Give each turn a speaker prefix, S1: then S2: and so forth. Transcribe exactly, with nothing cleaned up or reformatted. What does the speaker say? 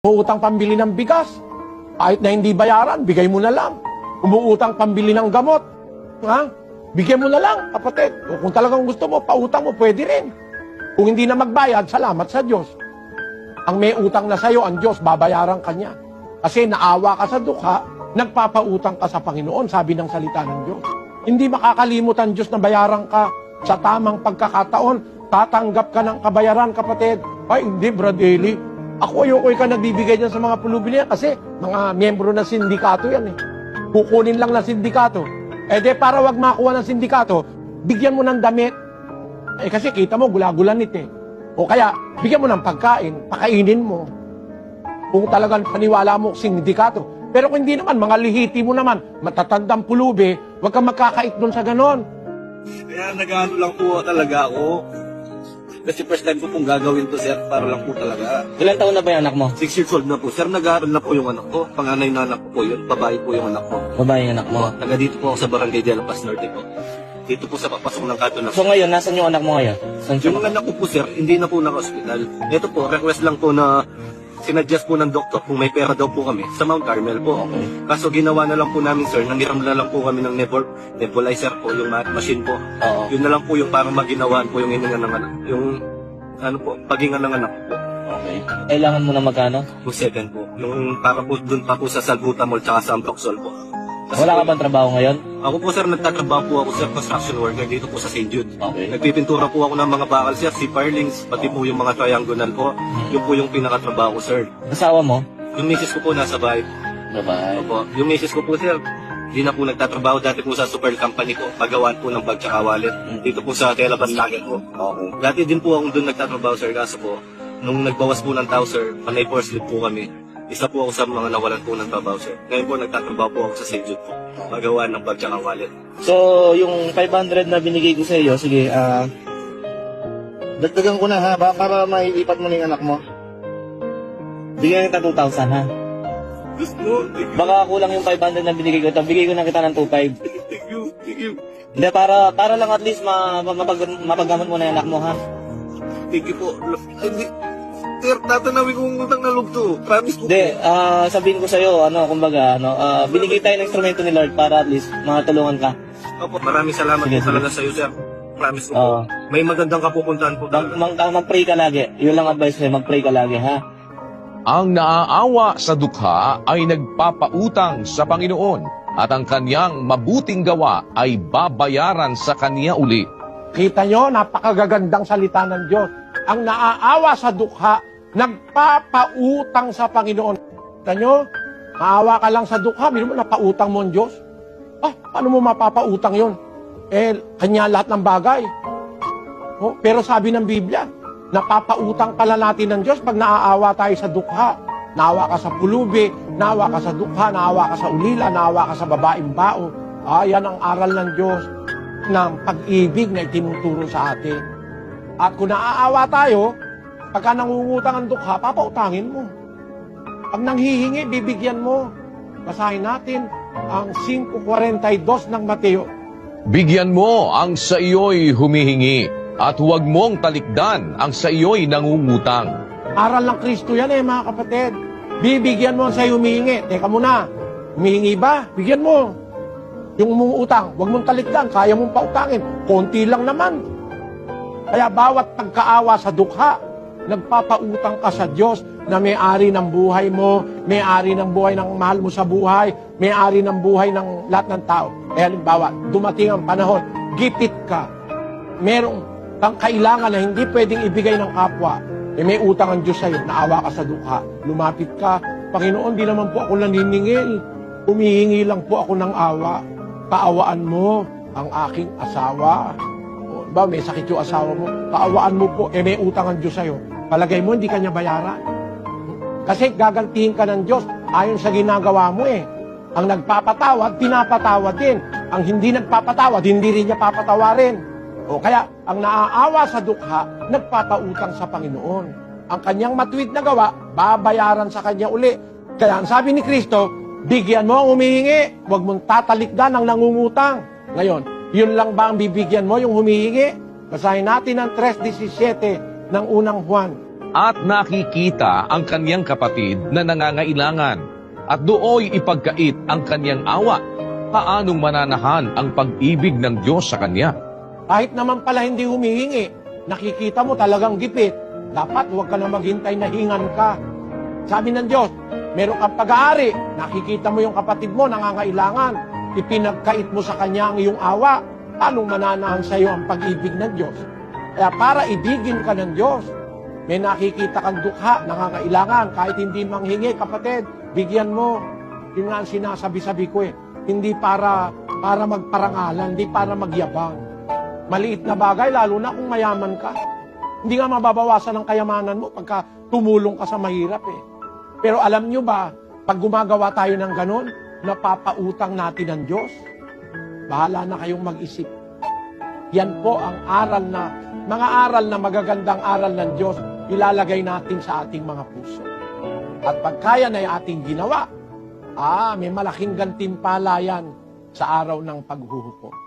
S1: Umuutang pambili ng bigas. Kahit na hindi bayaran, bigay mo na lang. Umuutang pambili ng gamot. Ha? Bigyan mo na lang, kapatid. O kung talagang gusto mo, pautang mo, pwede rin. Kung hindi na magbayad, salamat sa Diyos. Ang may utang na sa'yo, ang Diyos, babayaran ka niya. Kasi naawa ka sa dukha, nagpapautang ka sa Panginoon, sabi ng salita ng Diyos. Hindi makakalimot ang Diyos na bayaran ka sa tamang pagkakataon. Tatanggap ka ng kabayaran, kapatid. Ay, hindi, Brad Eli. Ako ayoko ka nagbibigay dyan sa mga pulubi niya kasi mga miyembro ng sindikato yan eh. Kukunin lang ng sindikato. Eh de para wag makuha ng sindikato, bigyan mo ng damit. Eh kasi kita mo, gula-gulanit eh. O kaya, bigyan mo ng pagkain, pakainin mo. Kung talagang paniwala mo sindikato. Pero kung hindi naman, mga lihiti mo naman, matatandang pulubi, wag kang magkakait doon sa ganon.
S2: Kaya nag-ano lang po talaga ako. Kasi first time ko pong gagawin to, sir, para lang po talaga.
S3: Ilan taon na ba yung anak mo?
S2: Six years old na po. Sir, nag-aaral na po yung anak ko. Panganay na anak ko po yun. Babae po yung anak ko.
S3: Babae yung anak mo.
S2: Taga dito po ako sa Barangay de la Paz Norte po. Dito po sa papasok ng kanto na.
S3: So ngayon, nasan yung anak mo ngayon? Saan siya?
S2: Yung anak ko po, sir, hindi na po naka-hospital. Ito po, request lang po na sinadjust po ng doktor kung may pera daw po kami sa Mount Carmel po.
S3: Okay.
S2: Kaso ginawa na lang po namin, sir, nangiram na lang po kami ng nebul nebulizer po, yung ma- machine po.
S3: Oo.
S2: Yun na lang po yung parang maginawaan po yung hininga ng anak. Yung ano po, paghinga ng anak po.
S3: Okay. Kailangan mo na magkano?
S2: Yung seven po. Yung para po dun pa po sa Salbutamol tsaka sa Amproxol po. Kasi
S3: Wala ka
S2: po,
S3: bang trabaho ngayon?
S2: ako po, sir, nagtatrabaho po ako, sir, construction worker dito po sa Saint Jude.
S3: Okay.
S2: Nagpipintura po ako ng mga bakal, sir, si Firelings, pati po yung mga triangular po. Yun po yung pinakatrabaho ko, sir.
S3: Asawa mo?
S2: Yung misis ko po nasa bahay.
S3: Babae.
S2: Opo. Yung misis ko po, sir, hindi na po nagtatrabaho dati po sa super company po, pagawaan po ng bag tsaka wallet. Dito po sa Telabas Lagat po.
S3: Okay.
S2: Dati din po ako doon nagtatrabaho, sir, kaso po, nung nagbawas po ng tao, sir, panay force leave po kami. Isa po ako sa mga nawalan po ng trabaho, sir. Ngayon po, nagtatrabaho po ako sa Saint Jude po. Pagawaan ng bag tsaka wallet.
S3: So, yung five hundred na binigay ko sa iyo, sige, ah... dagdagan ko na ha, ba, para maiipat mo na yung anak mo. Bigyan kita two thousand ha.
S2: Gusto, thank you,
S3: Baka kulang yung five hundred na binigay ko. Ito, bigay ko na kita ng two five.
S2: thank you, thank you.
S3: Hindi, para, para lang at least ma, ma, mapag, mapaggamot mo na yung anak mo ha.
S2: Thank you po. Hindi, sir, tatanawin kong utang na loob to. Promise po.
S3: Hindi, ah, sabihin ko sa'yo, ano, kumbaga, ano, ah, binigay tayo ng instrumento ni Lord para at least matulungan ka.
S2: Opo, maraming salamat
S3: Sige,
S2: po talaga sa iyo, sir. Promise ko
S3: Oo.
S2: po. May magandang kapupuntahan po
S3: Mag,
S2: talaga.
S3: mag, ah, mag-pray ka lagi. Yun lang advice ko, mag-pray ka lagi, ha?
S4: Ang naaawa sa dukha ay nagpapautang sa Panginoon at ang kanyang mabuting gawa ay babayaran sa kanya uli.
S1: Kita nyo, napakagagandang salita ng Diyos. Ang naaawa sa dukha, nagpapautang sa Panginoon. Kita nyo, maawa ka lang sa dukha, hindi mo napautang mo ang Diyos. Ah, paano mo mapapautang yon? Eh, kanya lahat ng bagay. Oh, pero sabi ng Biblia, napapautang pala natin ng Diyos pag naaawa tayo sa dukha. Naawa ka sa pulubi, naawa ka sa dukha, naawa ka sa ulila, naawa ka sa babaeng bao. Ah, yan ang aral ng Diyos ng pag-ibig na itinuturo sa atin. At kung naaawa tayo, pagka nangungutang ang dukha, papautangin mo. Pag nanghihingi, bibigyan mo. Basahin natin ang five forty-two ng Mateo.
S4: Bigyan mo ang sa iyo'y humihingi at huwag mong talikdan ang sa iyo'y nangungutang.
S1: Aral ng Kristo yan eh, mga kapatid. Bibigyan mo sa humihingi. Teka muna, humihingi ba? Bigyan mo. Yung mong utang, huwag mong talikdan, kaya mong pautangin. Konti lang naman. Kaya bawat pagkaawa sa dukha, nagpapautang ka sa Diyos na may-ari ng buhay mo, may-ari ng buhay ng mahal mo sa buhay, may-ari ng buhay ng lahat ng tao. Eh halimbawa, dumating ang panahon, gipit ka. Merong kang kailangan na hindi pwedeng ibigay ng kapwa. Eh may utang ang Diyos sa'yo, naawa ka sa dukha. Lumapit ka, Panginoon, di naman po ako naniningil. Humihingi lang po ako ng awa. Kaawaan mo ang aking asawa. O, ba, may sakit yung asawa mo. Kaawaan mo po, eh may utang ang Diyos sa'yo. Palagay mo, hindi kanya bayaran. Kasi gagantihin ka ng Diyos ayon sa ginagawa mo eh. Ang nagpapatawad, pinapatawad din. Ang hindi nagpapatawad, hindi rin niya papatawarin. O kaya, ang naaawa sa dukha, nagpapautang sa Panginoon. Ang kanyang matuwid na gawa, babayaran sa kanya uli. Kaya ang sabi ni Kristo, bigyan mo ang humihingi, huwag mong tatalikdan ang nangungutang. Ngayon, yun lang ba ang bibigyan mo, yung humihingi? Basahin natin ang three seventeen ng unang Juan.
S4: at nakikita ang kanyang kapatid na nangangailangan at dooy ipagkait ang kanyang awa, paanong mananahan ang pag-ibig ng Diyos sa kanya?
S1: Kahit naman pala hindi humihingi, nakikita mo talagang gipit, dapat huwag ka na maghintay na hingan ka. Sabi ng Diyos, meron kang pag-aari, nakikita mo yung kapatid mo nangangailangan, ipinagkait mo sa kanya ang iyong awa, paanong mananahan sa iyo ang pag-ibig ng Diyos? Kaya para ibigin ka ng Diyos, may nakikita kang dukha, nangangailangan, kahit hindi manghingi, kapatid, bigyan mo. Yun nga ang sinasabi-sabi ko eh. Hindi para, para magparangalan, hindi para magyabang. Maliit na bagay, lalo na kung mayaman ka. Hindi nga mababawasan ang kayamanan mo pagka tumulong ka sa mahirap eh. Pero alam nyo ba, pag gumagawa tayo ng ganun, napapautang natin ng Diyos. Bahala na kayong mag-isip. Yan po ang aral na, mga aral na magagandang aral ng Diyos, ilalagay natin sa ating mga puso. At pagkaya na yung ating ginawa, ah, may malaking gantimpala yan sa araw ng paghuhukom.